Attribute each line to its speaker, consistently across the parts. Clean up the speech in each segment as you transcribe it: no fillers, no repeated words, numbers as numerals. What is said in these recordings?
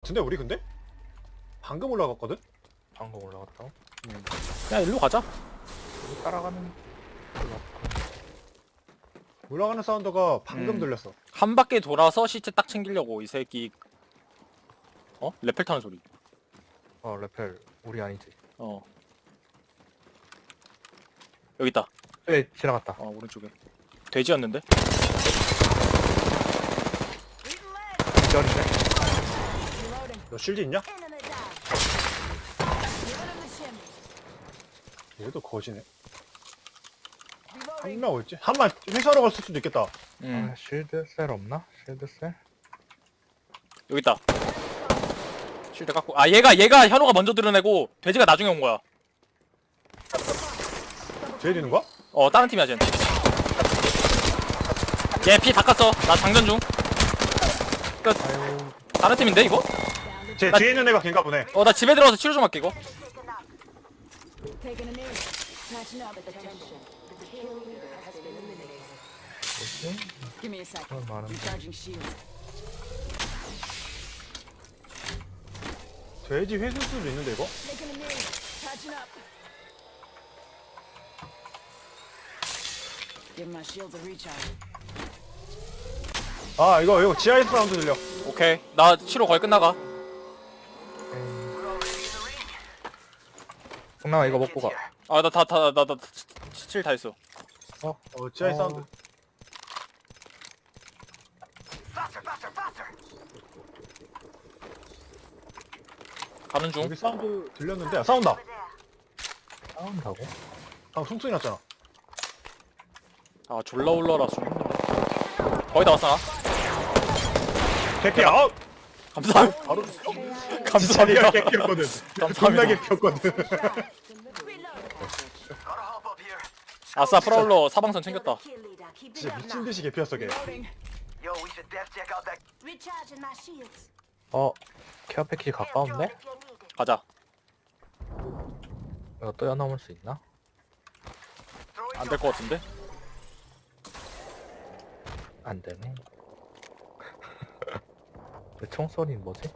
Speaker 1: 같은데 우리 근데? 방금 올라갔거든?
Speaker 2: 방금 올라갔다고?
Speaker 3: 그냥 일로 가자.
Speaker 2: 여기 따라가는
Speaker 1: 올라가는 사운드가 방금
Speaker 3: 음.
Speaker 1: 들렸어.
Speaker 3: 한 바퀴 돌아서 시체 딱 챙기려고 이 새끼. 어? 레펠 타는 소리.
Speaker 2: 레펠 우리 아니지.
Speaker 3: 여기 있다.
Speaker 2: 네 지나갔다.
Speaker 3: 오른쪽에. 돼지였는데?
Speaker 2: 기절인데?
Speaker 1: 너 실드 있냐? 얘도 거지네. 한 명 올지? 한 명 회사로 갔을 수도 있겠다.
Speaker 2: 쉴드 셀 없나? 쉴드 셀?
Speaker 3: 여기 있다. 쉴드 깎고. 얘가 현우가 먼저 드러내고 돼지가 나중에 온 거야.
Speaker 1: 뒤에 있는 거야?
Speaker 3: 다른 팀이야 쟤는. 얘 피 다 깠어. 나 장전 중. 끝. 다른 팀인데 이거?
Speaker 1: 쟤
Speaker 3: 나-
Speaker 1: 뒤에 있는 애가 걔인가 보네.
Speaker 3: 나 집에 들어가서 치료 좀 할게 이거.
Speaker 4: Taking a knee. Patching up. Attention. The kill leader has been eliminated.
Speaker 2: 뭐지?
Speaker 4: Give me a second.
Speaker 2: 그런 말은
Speaker 4: Recharging shields.
Speaker 1: 돼지 회수 수도 있는데 이거?
Speaker 4: Taking a knee. Patching up. Give my shields a recharge.
Speaker 1: 아 이거 지하에서 사운드 들려.
Speaker 3: 오케이. 나 치료 거의 끝나가.
Speaker 2: 동남아 이거 먹고 가.
Speaker 3: 나 스틸 다 했어.
Speaker 1: 지하에 사운드.
Speaker 3: 가는 중.
Speaker 1: 여기 사운드 들렸는데 싸운다.
Speaker 2: 싸운다고?
Speaker 1: 방금 총소리 났잖아.
Speaker 3: 졸라 올라라 좀 힘들어. 거의 다 왔어 나.
Speaker 1: 개피야. 아웃.
Speaker 3: 감사합니다.
Speaker 1: 바로 죽어. 진짜
Speaker 3: 감사합니다.
Speaker 1: 리얼 개피였거든. 존나
Speaker 3: 감사합니다.
Speaker 1: 개피였거든.
Speaker 3: 아싸 프라울러 사방선 챙겼다.
Speaker 1: 진짜 미친 듯이 개피였어 걔.
Speaker 4: Loading.
Speaker 5: Yo, we should def check out that.
Speaker 4: Recharging my shields.
Speaker 2: 케어 패키지 가까운데?
Speaker 3: 가자.
Speaker 2: 이거 뛰어넘을 수 있나?
Speaker 3: 안 될 것 같은데?
Speaker 2: 안 되네. 내 총소리는 뭐지?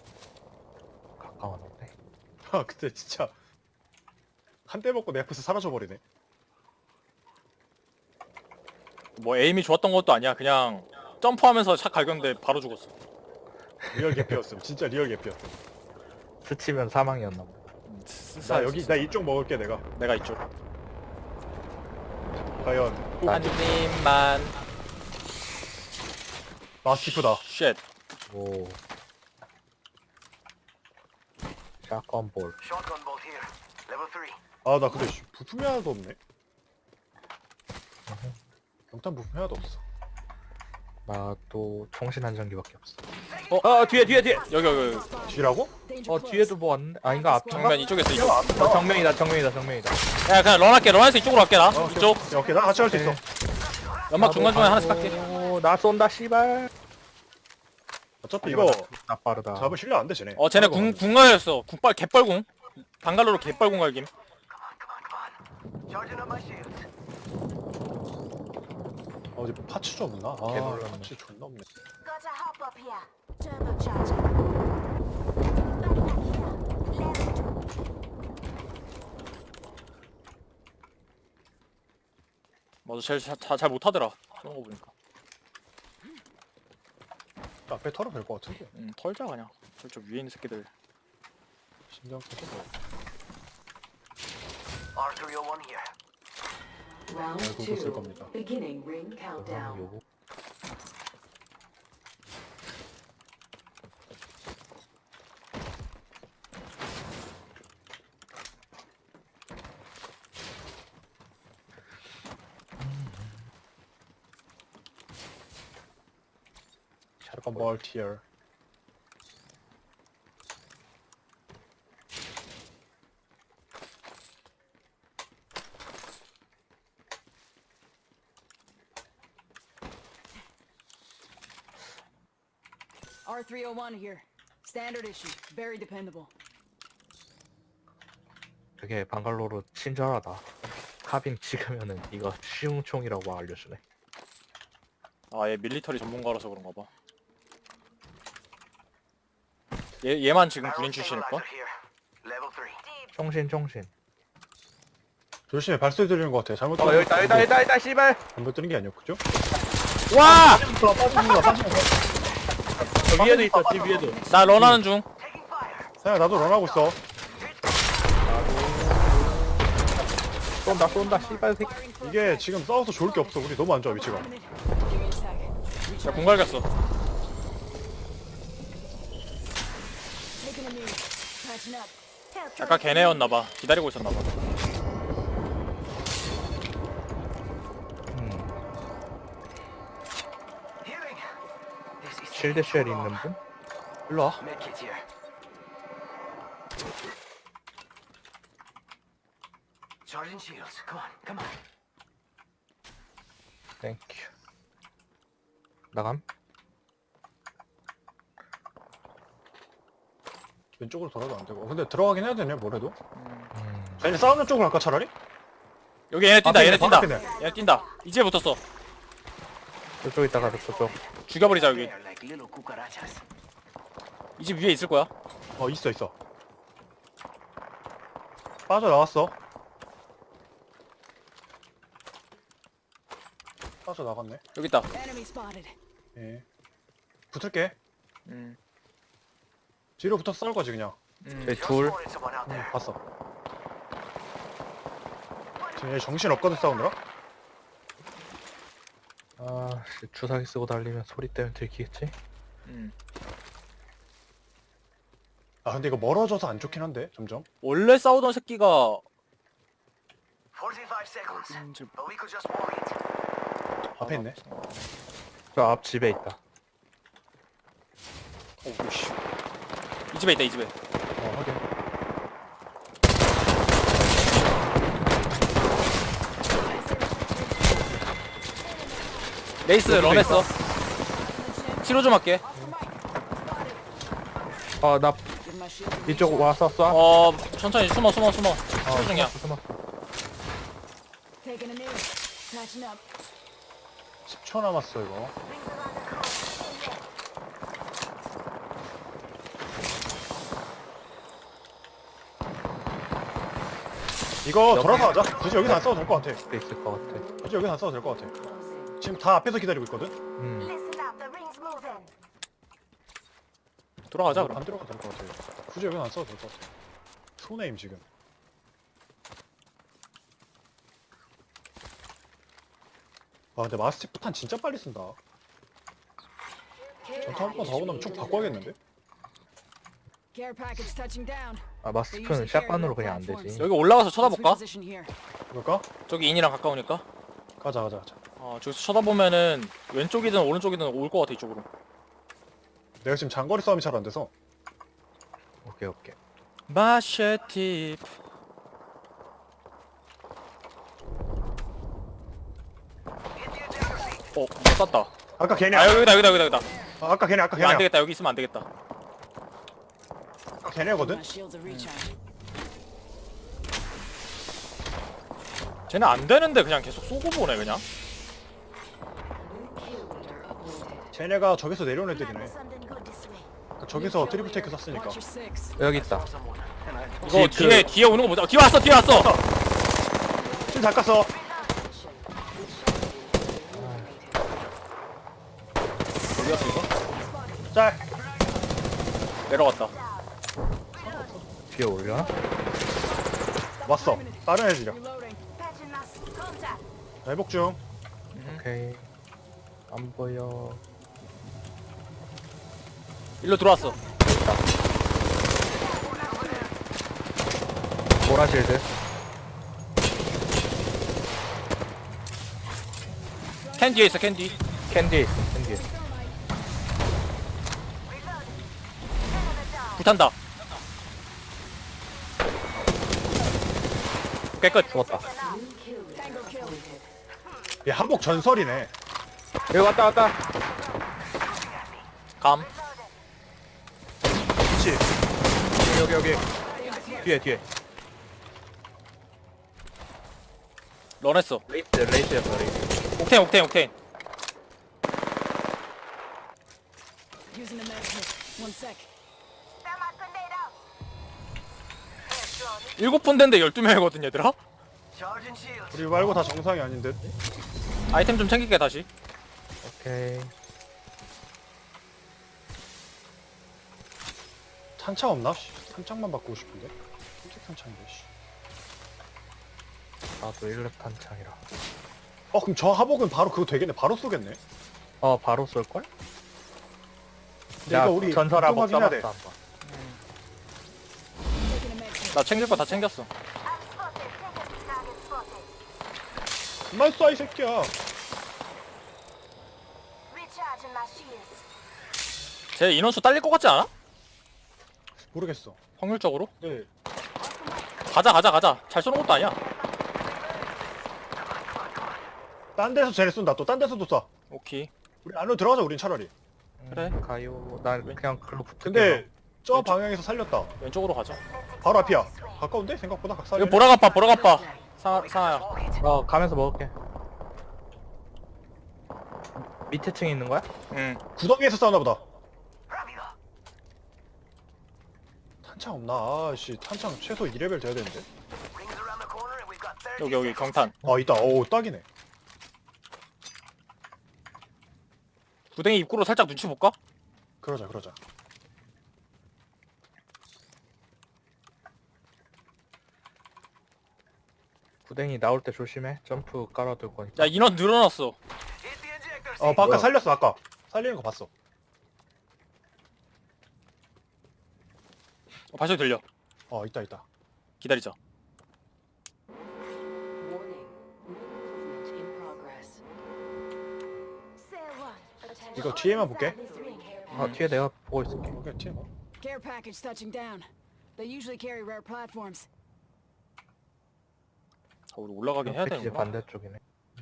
Speaker 2: 가까웠는데.
Speaker 1: 아 그때 진짜 한 대 먹고 내 앞에서 사라져 버리네.
Speaker 3: 뭐 에임이 좋았던 것도 아니야. 그냥 점프하면서 샷 갈겼는데 바로 죽었어.
Speaker 1: 리얼 개피였음. 진짜 리얼 개피였음.
Speaker 2: 스치면 사망이었나 보다.
Speaker 1: 나 이쪽 먹을게 내가.
Speaker 3: 내가 이쪽.
Speaker 1: 과연
Speaker 3: 한 팀만.
Speaker 1: 마스티프다.
Speaker 3: 쉣.
Speaker 2: 오. 샷건 볼.
Speaker 5: Shotgun bolt here. Level 3.
Speaker 1: 아 나 근데 부품이 하나도 없네. 경탄 부품이 하나도 없어.
Speaker 2: 나도 총신 안정기밖에 없어.
Speaker 3: 뒤에. 여기.
Speaker 1: 뒤라고?
Speaker 2: 뒤에도 뭐 왔는데? 아닌가 앞인가?
Speaker 3: 정면 이쪽에 있어 이쪽.
Speaker 2: 정면이다.
Speaker 3: 야 그냥 런할게. 런해서 이쪽으로 갈게 나. 이쪽.
Speaker 1: 야, 오케이 나 같이 할 수 있어.
Speaker 3: 연막 중간중간에 하나씩 갈게.
Speaker 2: 나 쏜다 씨발.
Speaker 1: 어차피 이거
Speaker 2: 나 빠르다.
Speaker 1: 잡을 실력 안 돼 쟤네.
Speaker 3: 쟤네 궁갈렸어. 개뻘궁. 방갈로로 개뻘궁 갈김.
Speaker 5: Charging up my shields.
Speaker 1: 어디 파츠 좀 없나? 아
Speaker 2: 개놀랐네.
Speaker 1: 파츠 존나 없네.
Speaker 4: Got a hop up here. Turbocharger.
Speaker 3: 맞아 제일 잘 못하더라. 그런 거 보니까.
Speaker 1: 앞에 털어 될 것 같은데.
Speaker 3: 털자 그냥. 저쪽 위에 있는 새끼들.
Speaker 1: 신경 쓰고.
Speaker 5: R301 here.
Speaker 4: Round
Speaker 1: 그거 쓸 겁니다.
Speaker 4: Beginning ring countdown.
Speaker 2: 요거.
Speaker 1: 샷건 멀티어.
Speaker 4: R301 here. Standard issue. Very dependable.
Speaker 2: 되게 방갈로로 친절하다. 카빈 찍으면은 이거 쉬운 총이라고 알려주네.
Speaker 3: 얘 밀리터리 전문가라서 그런가 봐. 얘만 지금 군인 출신일걸?
Speaker 5: Stabilizer here. Level 3.
Speaker 2: 총신.
Speaker 1: 조심해 발소리 들리는 것 같아. 잘못
Speaker 2: 여기다 씨발.
Speaker 1: 잘못 들은 게 아니었죠?
Speaker 3: 와!
Speaker 1: 빠지는 거.
Speaker 2: 저 위에도 있어. 집 위에도.
Speaker 3: 나 런하는 중.
Speaker 5: Taking fire.
Speaker 1: 야 나도 런하고 있어.
Speaker 2: 쏜다 씨발 새끼.
Speaker 1: 이게 지금 싸워서 좋을 게 없어. 우리 너무 안 좋아 위치가.
Speaker 4: Give me a sec.
Speaker 3: 야, 공 갈겼어.
Speaker 4: Taking a knee. Patching up.
Speaker 3: 아까 걔네였나봐. 기다리고 있었나봐.
Speaker 5: Healing. This is
Speaker 2: 실드 쉘 있는 분?
Speaker 1: 일로 와.
Speaker 5: medkit here. Charging shields. Come on.
Speaker 2: 땡큐. 나감?
Speaker 1: 왼쪽으로 돌아도 안 되고. 근데 들어가긴 해야 되네 뭐래도.
Speaker 2: 음.
Speaker 1: 자 이제 싸우는 쪽으로 갈까 차라리?
Speaker 3: 여기 얘네 뛴다.
Speaker 1: 앞에
Speaker 3: 얘네
Speaker 1: 있네,
Speaker 3: 뛴다.
Speaker 1: 바로 앞에
Speaker 3: 얘네 뛴다. 이제 붙었어.
Speaker 2: 저쪽 있다가 저쪽.
Speaker 3: 죽여버리자 여기.
Speaker 5: They're like little cucarachas.
Speaker 3: 이 집 위에 있을 거야.
Speaker 1: 있어. 빠져 나왔어. 빠져 나갔네.
Speaker 3: 여기 있다.
Speaker 4: Enemy spotted.
Speaker 1: 예. 붙을게.
Speaker 3: 음.
Speaker 1: 뒤로 붙어서 싸울 거지 그냥.
Speaker 2: 저기 둘.
Speaker 5: Spotted someone out there.
Speaker 1: 봤어. 지금 얘 정신 없거든 싸우느라.
Speaker 2: 아, 씨, 주사기 쓰고 달리면 소리 때문에 들키겠지?
Speaker 3: 음.
Speaker 1: 아 근데 이거 멀어져서 안 좋긴 한데 점점.
Speaker 3: 원래 싸우던 새끼가
Speaker 5: 45 seconds. But we could just worry it.
Speaker 1: 앞에 있네.
Speaker 2: 저 앞 집에 있다.
Speaker 3: 오씨. 이 집에 있다. 이 집에.
Speaker 1: 확인.
Speaker 3: 레이스 런했어. 치료 좀 할게.
Speaker 2: 나
Speaker 4: Give my shield.
Speaker 2: 이쪽 와서 쏴.
Speaker 3: 천천히 숨어. 치료 중이야.
Speaker 2: 숨었어.
Speaker 4: Taking a knee. Patching up.
Speaker 1: 10초 남았어 이거. 이거 돌아서 하자. 굳이 여기서 안 싸워도 될 것 같아.
Speaker 2: 돼 있을 것 같아.
Speaker 1: 굳이 여기서 안 싸워도 될 것 같아. 지금 다 앞에서 기다리고 있거든.
Speaker 4: Listen up. The ring's moving.
Speaker 3: 돌아가자
Speaker 1: 안
Speaker 3: 그럼.
Speaker 1: 들어가도 될 것 같아. 굳이 여기서 안 싸워도 될 것 같아. 손해임 지금. 아 근데 마스틱 포탄 진짜 빨리 쓴다. 전투 한 번 더 하고 나면 쭉 바꿔야겠는데?
Speaker 4: Care package touching down.
Speaker 2: 마스크는 샷건으로 그냥 안 되지.
Speaker 3: 여기 올라가서 쳐다볼까?
Speaker 4: Position here.
Speaker 1: 그럴까?
Speaker 3: 저기 인이랑 가까우니까.
Speaker 1: 가자.
Speaker 3: 저기서 쳐다보면은 왼쪽이든 오른쪽이든 올 것 같아 이쪽으로.
Speaker 1: 내가 지금 장거리 싸움이 잘 안 돼서.
Speaker 2: 오케이.
Speaker 3: 마쉐팁. 못 쐈다.
Speaker 1: 아까 걔네.
Speaker 3: 아 여기다.
Speaker 1: 아까 걔네.
Speaker 3: 이거 안 되겠다. 여기 있으면 안 되겠다.
Speaker 1: 아까 걔네거든.
Speaker 4: My shields are recharged.
Speaker 3: 쟤는 안 되는데 그냥 계속 쏘고 보네 그냥.
Speaker 1: 쟤네가 저기서 내려온 애들이네. 저기서 트리플 테이크 쐈으니까.
Speaker 4: Watch your six.
Speaker 2: 여기 있다.
Speaker 5: Someone. And I
Speaker 3: 이거
Speaker 2: 그-
Speaker 3: 뒤에 오는 거 보자. 뒤에 왔어.
Speaker 1: 지금 다 깠어.
Speaker 3: 어디 갔어 이거?
Speaker 1: 짤.
Speaker 3: 내려갔다.
Speaker 2: 뒤에 올려나?
Speaker 1: 왔어. 다른 애들이야.
Speaker 4: Reloading.
Speaker 1: 회복 중.
Speaker 2: 오케이. 안 보여.
Speaker 3: 일로 들어왔어.
Speaker 2: 보라실드.
Speaker 3: 캔 뒤에 있어. 캔 뒤.
Speaker 2: 캔디 있어. 캔디.
Speaker 3: 불탄다. 깨끗.
Speaker 2: 죽었다.
Speaker 4: Tango kill.
Speaker 1: 얘 한복 전설이네.
Speaker 2: 여기 왔다.
Speaker 3: 감.
Speaker 1: 그치. 여기.
Speaker 2: 뒤에.
Speaker 3: 런했어.
Speaker 2: 레이스였어.
Speaker 3: 옥테인.
Speaker 4: Using the med kit. 1 sec.
Speaker 3: 7분대인데 12명이거든 얘들아?
Speaker 5: Charging shields.
Speaker 1: 우리 말고 다 정상이 아닌 듯.
Speaker 3: 아이템 좀 챙길게 다시.
Speaker 2: 오케이.
Speaker 1: 탄창 없나? 씨, 탄창만 바꾸고 싶은데. 흰색 탄창인데. 씨.
Speaker 2: 나도 1렙 탄창이라.
Speaker 1: 그럼 저 하복은 바로 그거 되겠네. 바로 쏘겠네.
Speaker 2: 바로 쏠걸?
Speaker 1: 근데 이거 우리
Speaker 2: 전설하고
Speaker 1: 걱정하긴 해야 돼.
Speaker 2: 써봤어 한번.
Speaker 4: Taking a med.
Speaker 3: 나 챙길 거 다 챙겼어.
Speaker 1: 그만 쏴 이 새끼야.
Speaker 6: Recharging my shields.
Speaker 3: 쟤 인원수 딸릴 것 같지 않아?
Speaker 1: 모르겠어.
Speaker 3: 확률적으로?
Speaker 1: 네.
Speaker 3: 가자. 잘 쏘는 것도 아니야.
Speaker 1: 딴 데서 쟤를 쏜다. 또 딴 데서도 쏴.
Speaker 3: 오케이.
Speaker 1: 우리 안으로 들어가자. 우린 차라리.
Speaker 3: 그래.
Speaker 2: 가요. 난 그냥 글로 붙을게.
Speaker 1: 근데 저
Speaker 3: 왼쪽.
Speaker 1: 방향에서 살렸다.
Speaker 3: 왼쪽으로 가자.
Speaker 1: 바로 앞이야. 가까운데? 생각보다 각살이.
Speaker 3: 이거 보라가빠. 상아야.
Speaker 2: 가면서 먹을게. 밑에 층에 있는 거야?
Speaker 3: 응.
Speaker 1: 구덩이에서 싸우나 보다.
Speaker 5: Rápido.
Speaker 1: 탄창 없나? 아씨 탄창 최소 2레벨 돼야 되는데.
Speaker 5: Rings around the corner and we've got 30
Speaker 3: 여기 경탄.
Speaker 1: 있다. 오 딱이네.
Speaker 3: 구덩이 입구로 살짝 눈치 볼까?
Speaker 1: 그러자.
Speaker 2: 구덩이 나올 때 조심해. 점프 깔아둘 거니까.
Speaker 3: 야 인원 늘어났어.
Speaker 5: Hit the ejector seat.
Speaker 1: 바깥
Speaker 2: 뭐야?
Speaker 1: 살렸어 아까. 살리는 거 봤어.
Speaker 3: 발소리 들려.
Speaker 1: 있다.
Speaker 3: 기다리자.
Speaker 4: Warning. Movement in progress.
Speaker 6: Say one. Attention.
Speaker 1: 이거 뒤에만 볼게.
Speaker 6: This ring.
Speaker 2: 뒤에 내가 보고 있을게.
Speaker 1: 오케이 팀.
Speaker 7: Care package touching down. They usually carry rare platforms.
Speaker 3: 우리 올라가긴 해야
Speaker 2: 패키지
Speaker 3: 되는구나.
Speaker 2: 반대쪽이네.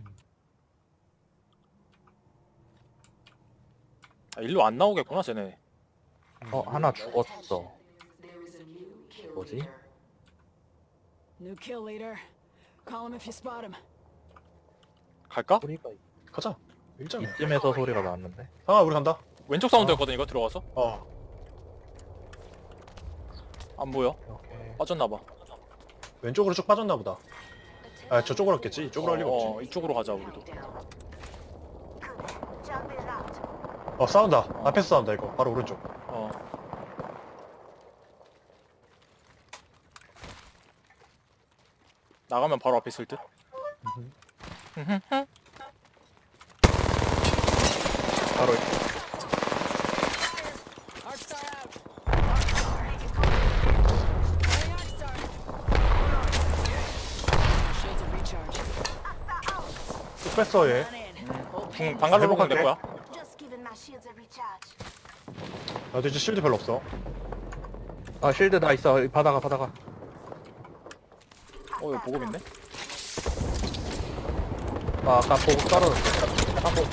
Speaker 3: 일로 안 나오겠구나 쟤네.
Speaker 2: 하나 죽었어.
Speaker 4: There is a new kill
Speaker 2: 뭐지?
Speaker 4: leader.
Speaker 7: New kill leader. Call him if you spot him.
Speaker 3: 갈까?
Speaker 2: 소리가
Speaker 1: 가자. 일장이야.
Speaker 2: 이쯤에서 소리가 났는데.
Speaker 1: 상아 우리 간다.
Speaker 3: 왼쪽 사운드였거든 이거 들어가서. 안 보여.
Speaker 2: 오케이.
Speaker 3: 빠졌나봐.
Speaker 1: 왼쪽으로 쭉 빠졌나 보다. 저쪽으로 갔겠지. 이쪽으로 할 리가 없지.
Speaker 3: 이쪽으로 가자 우리도.
Speaker 6: Jump it out.
Speaker 1: 싸운다. 앞에서 싸운다 이거. 바로 오른쪽.
Speaker 3: 나가면 바로 앞에 있을 듯.
Speaker 2: 바로
Speaker 7: Arcstar out. Arcstar. Shields are recharged.
Speaker 1: 쭉 뺐어 얘.
Speaker 7: Run in.
Speaker 3: 방갈로로 가면 될 거야.
Speaker 6: Just giving my shields a recharge.
Speaker 1: 나도 이제 실드 별로 없어.
Speaker 2: 실드 다 있어. 받아가.
Speaker 3: 이거 보급인데?
Speaker 2: 아까 보고 떨어졌어.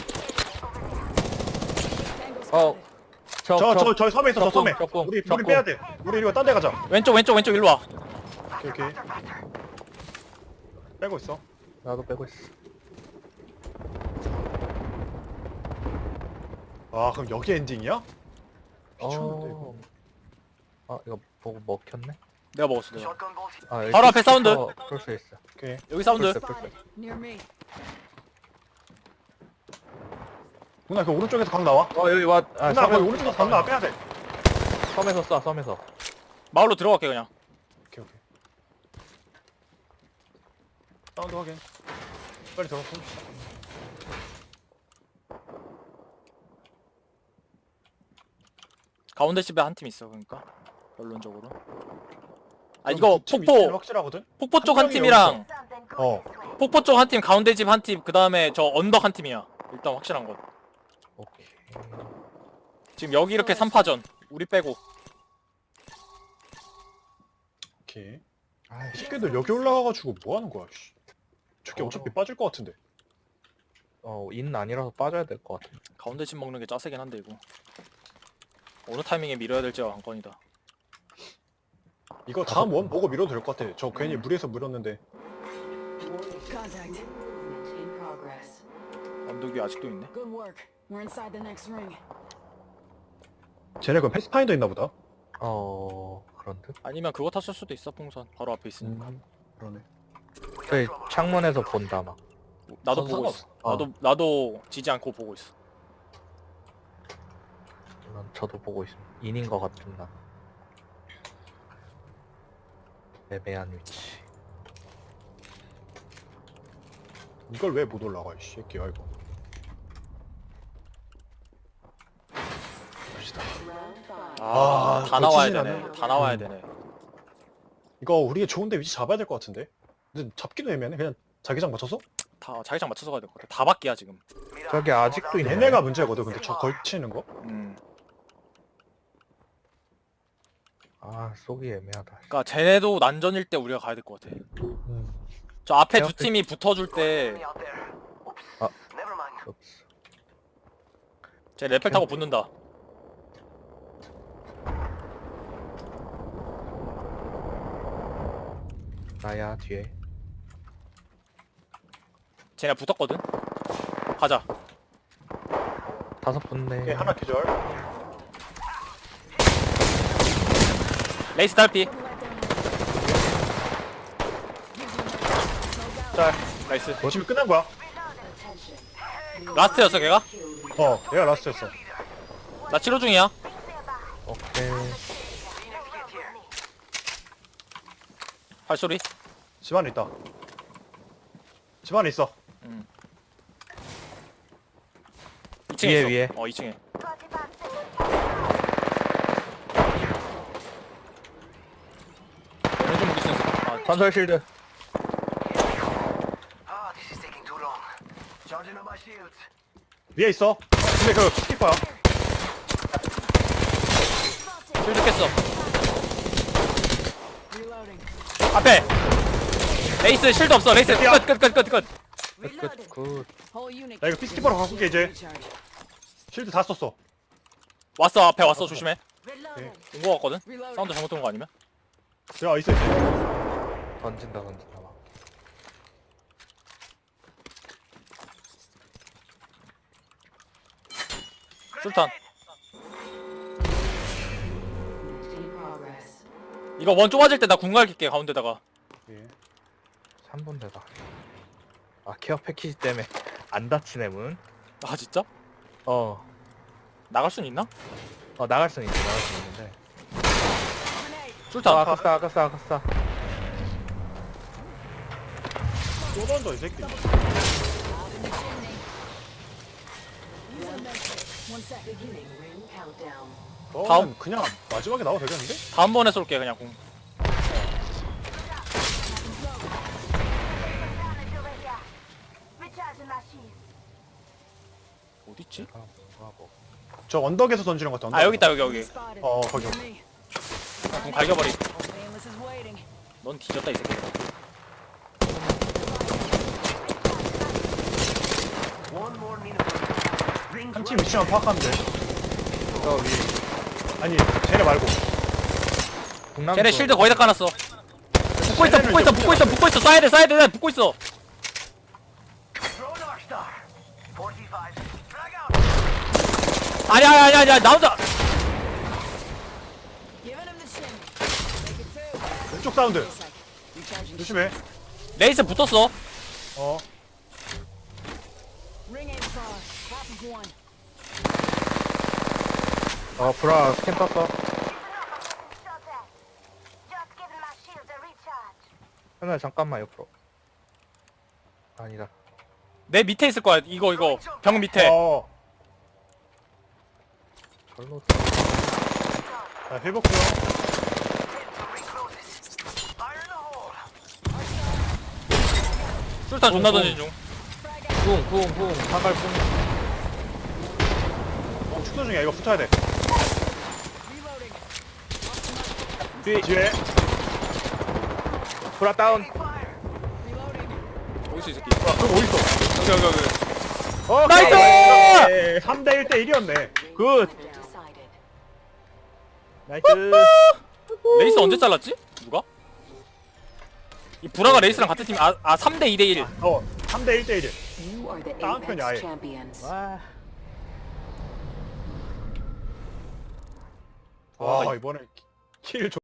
Speaker 7: Tango spotted.
Speaker 1: 저 섬에 있어. 저 섬에.
Speaker 2: 적공,
Speaker 1: 우리
Speaker 2: 적공.
Speaker 1: 빼야 돼. 우리 이거 딴 데 가자.
Speaker 3: 왼쪽 일로 와.
Speaker 1: 오케이. 빼고 있어.
Speaker 2: 나도 빼고 있어.
Speaker 1: 그럼 여기 엔딩이야? 미쳤는데 이거.
Speaker 2: 이거 보고 먹혔네.
Speaker 3: 내가 먹었어 내가.
Speaker 5: Shotgun bolt.
Speaker 3: 바로 앞에 사운드.
Speaker 2: 그럴 수 있어.
Speaker 1: 오케이.
Speaker 3: 여기 사운드.
Speaker 7: Spotted. Near me.
Speaker 1: 누나 그 오른쪽에서 강 나와.
Speaker 2: 여기 와.
Speaker 1: 누나 거기 오른쪽에서 강 나와. 빼야 돼.
Speaker 2: 섬에서 쏴. 섬에서.
Speaker 3: 마을로 들어갈게 그냥.
Speaker 1: 오케이. 사운드 확인. 빨리 들어가.
Speaker 3: 가운데 집에 한 팀 있어 그러니까. 결론적으로. 이거
Speaker 1: 확실하거든.
Speaker 3: 폭포 쪽 한
Speaker 1: 한 명이
Speaker 3: 팀이랑
Speaker 6: Something good this way.
Speaker 3: 폭포 쪽 한 팀, 가운데 집 한 팀, 그 다음에 저 언덕 한 팀이야. 일단 확실한 건.
Speaker 2: 오케이.
Speaker 3: 지금 여기 이렇게 3파전. 우리 빼고.
Speaker 1: 오케이. 이 새끼들 여기 올라가가지고 뭐 하는 거야? 씨. 저게 어차피 빠질 것 같은데.
Speaker 2: 인 아니라서 빠져야 될 것 같아.
Speaker 3: 가운데 집 먹는 게 짜세긴 한데 이거. 어느 타이밍에 밀어야 될지가 관건이다.
Speaker 1: 이거 다음 원 보고 밀어도 될 것 같아. 저 괜히 무리해서 물었는데.
Speaker 7: Contact.
Speaker 4: Movement in progress.
Speaker 3: 언덕 위 아직도 있네.
Speaker 7: Good work. We're inside the next ring.
Speaker 1: 쟤네 그럼 패스파인더 있나 보다.
Speaker 2: 그런 듯?
Speaker 3: 아니면 그거 탔을 수도 있어 풍선 바로 앞에 있으니까.
Speaker 1: 그러네.
Speaker 2: 저희 창문에서 본다 막.
Speaker 3: 나도
Speaker 1: 선수가
Speaker 3: 보고 있어.
Speaker 2: 없어.
Speaker 3: 나도 지지 않고 보고 있어.
Speaker 2: 물론 저도 보고 있음. 인인 것 같은 나. 애매한 위치.
Speaker 1: 이걸 왜 못 올라가 이 새끼야 이거. 갑시다.
Speaker 3: 다 나와야
Speaker 1: 거치진
Speaker 3: 되네.
Speaker 1: 않네.
Speaker 3: 다 나와야 되네.
Speaker 1: 이거 우리가 좋은데 위치 잡아야 될 것 같은데. 근데 잡기도 애매하네. 그냥 자기장 맞춰서?
Speaker 3: 다 자기장 맞춰서 가야 될 것 같아. 다 바뀌야 지금.
Speaker 2: 저기 아직도 있네.
Speaker 1: 얘네가 문제거든. 근데 저 걸치는 거?
Speaker 2: 아 쏘기 애매하다.
Speaker 3: 그러니까 쟤네도 난전일 때 우리가 가야 될 것 같아.
Speaker 1: 음.
Speaker 3: 저 앞에 두
Speaker 2: 앞에-
Speaker 3: 팀이 붙어줄 때
Speaker 5: Enemy out there. Oops.
Speaker 2: Ah.
Speaker 5: Never mind.
Speaker 2: 없어.
Speaker 3: 쟤 레펠 타고 붙는다.
Speaker 2: 나야 뒤에.
Speaker 3: 쟤네 붙었거든. 가자.
Speaker 2: 다섯 분네.
Speaker 1: 오케이, 하나 기절.
Speaker 3: 레이스 달피. 짤. 나이스.
Speaker 1: 지금 끝난 거야.
Speaker 3: 라스트였어 걔가?
Speaker 1: 어, 얘가 라스트였어.
Speaker 3: 나 치료 중이야.
Speaker 2: 오케이.
Speaker 3: 발소리.
Speaker 1: 집 안에 있다. 집 안에 있어.
Speaker 3: 2층에
Speaker 2: 위에,
Speaker 3: 있어.
Speaker 2: 위에.
Speaker 3: 2층에.
Speaker 6: 45 seconds.
Speaker 3: 왼쪽 무기 있어.
Speaker 2: 전설 실드.
Speaker 5: Ah, this is taking too long. Charging up my shields.
Speaker 1: 위에 있어. 근데 그 스키퍼야.
Speaker 3: 실드 깼어.
Speaker 7: Reloading.
Speaker 3: 앞에. 레이스 실드 없어. 레이스
Speaker 1: 야.
Speaker 3: 끝.
Speaker 7: Reloading.
Speaker 2: 굿.
Speaker 7: Whole unit.
Speaker 1: 나 이거 피스키퍼로 갖고 올게 이제.
Speaker 7: Recharge.
Speaker 1: 실드 다 썼어.
Speaker 3: 왔어. 앞에 왔어. 조심해.
Speaker 6: Reloading.
Speaker 3: 온 거 같거든.
Speaker 7: Reloading.
Speaker 3: 사운드 잘못 들은 거 아니면?
Speaker 1: 야, 있어.
Speaker 2: 던진다 막.
Speaker 3: 술탄.
Speaker 4: In progress.
Speaker 3: 이거 원 좁아질 때 나 궁갈 낄게 가운데다가.
Speaker 1: 예.
Speaker 2: 3분 되다. 아 케어 패키지 때문에 안 다치네 문.
Speaker 3: 아 진짜?
Speaker 2: 어.
Speaker 3: 나갈 순 있나?
Speaker 2: 나갈 수는 있어. 나갈 수는 있는데.
Speaker 3: 술탄.
Speaker 2: 아깝다.
Speaker 1: 또 던져 이 새끼.
Speaker 7: One sec.
Speaker 4: Beginning ring countdown.
Speaker 1: 너는 그냥 마지막에 나와도 되겠는데?
Speaker 3: 다음번에 쏠게 그냥 궁.
Speaker 6: Recharging my shields.
Speaker 3: 어딨지?
Speaker 1: 저 언덕에서 던지는 것 같아.
Speaker 3: 아 여기 있다 여기.
Speaker 7: Spotted.
Speaker 1: 어, 거기.
Speaker 7: Near me.
Speaker 3: 궁 갈겨버리.
Speaker 7: Painless is waiting.
Speaker 3: 넌 뒤졌다 이 새끼.
Speaker 5: One more minute. Rings
Speaker 1: 한 팀 위치만 파악하면 돼.
Speaker 2: 저 위.
Speaker 1: 아니, 쟤네 말고.
Speaker 2: 북남.
Speaker 3: 쟤네 실드 거의 다 까놨어. 붙고 있어. 사이드 붙고 있어.
Speaker 5: Throw Dark Star. 45. Drag out.
Speaker 3: 아니야 나 혼자.
Speaker 7: Giving him the shimmy. Make it two.
Speaker 1: 왼쪽 사운드.
Speaker 7: Recharging.
Speaker 1: 조심해.
Speaker 3: 레이스 붙었어.
Speaker 1: 어.
Speaker 7: Ring aim far. Half of one.
Speaker 2: 브라 스캔 떴어.
Speaker 6: Shot that. Just giving my shields a recharge.
Speaker 2: 하나 잠깐만 옆으로. 아니다.
Speaker 3: 내 밑에 있을 거야. 이거 벽 밑에.
Speaker 1: 어.
Speaker 2: 절로.
Speaker 1: 자, 회복 중.
Speaker 5: Ring closes. Fire in the hole.
Speaker 3: 술탄 존나 던진 중.
Speaker 2: 쿵. 사갈 쿵.
Speaker 1: 축소 중이야. 이거 붙어야 돼.
Speaker 7: Reloading.
Speaker 1: 뒤에.
Speaker 2: 브라 다운.
Speaker 5: Fire.
Speaker 7: Reloading.
Speaker 3: 어딨어 이 새끼.
Speaker 1: 그럼 어딨어?
Speaker 3: 여기. 나이스!
Speaker 1: 3대 1대 1이었네.
Speaker 2: 굿.
Speaker 4: Decided.
Speaker 2: 나이스.
Speaker 3: 레이스 언제 잘랐지? 누가? 이 브라가 레이스랑 같은 팀. 3대 2대 1.
Speaker 1: 3대 1대 1.
Speaker 4: You are the
Speaker 1: 다음 편이 아예.
Speaker 4: Apex champions.
Speaker 2: 와.
Speaker 1: 와, 이번에 킬